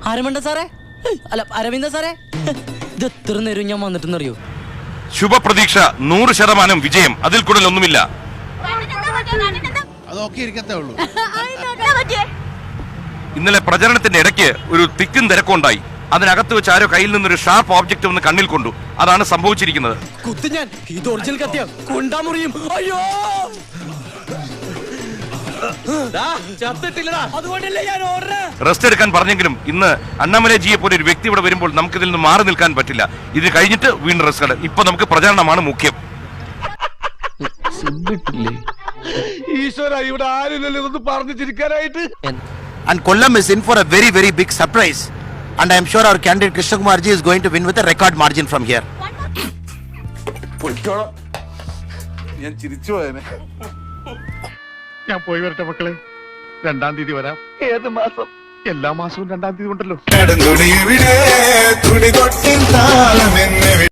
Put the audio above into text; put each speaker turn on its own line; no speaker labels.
ആരമണ്ട സാറേ, അല്ല അരവിന്ദ സാറേ, ഇത് എത്ര നേരം ഞാൻ വന്നിട്ടെന്നറിയോ?
ശുഭപ്രതീക്ഷ 100% വിജയം, അതിൽ കൂടുതൽ ഒന്നുമില്ല. ഇന്നലെ പ്രചരണത്തിന്റെ ഇടയ്ക്ക് ഒരു തിക്കും തിരക്കുണ്ടായി. അതിനകത്ത് വെച്ച് ആരോ കയ്യിൽ നിന്നൊരു ഷാർപ്പ് ഓബ്ജക്റ്റ് ഒന്ന് കണ്ണിൽ കൊണ്ടു. അതാണ് സംഭവിച്ചിരിക്കുന്നത്.
അയ്യോ,
റെസ്റ്റ് എടുക്കാൻ പറഞ്ഞെങ്കിലും ഇന്ന് അണ്ണാമലജിയെ പോലെ ഒരു വ്യക്തി ഇവിടെ വരുമ്പോൾ നമുക്ക് ഇതിൽ നിന്ന് മാറി നിൽക്കാൻ പറ്റില്ല. ഇത് കഴിഞ്ഞിട്ട് വീണ്ടും റെസ്റ്റ്. ഇപ്പൊ നമുക്ക് പ്രചരണമാണ് മുഖ്യം.
And Kollam is in for a very, very big surprise. And I am sure our candidate Krishna Kumar ji is going to win with a record margin from here.
ഞാൻ പോയി വരട്ടെ മക്കളെ. 2-ാം തീയതി വരാം. ഏത് മാസം? എല്ലാ മാസവും 2-ാം തീയതി ഉണ്ടല്ലോ.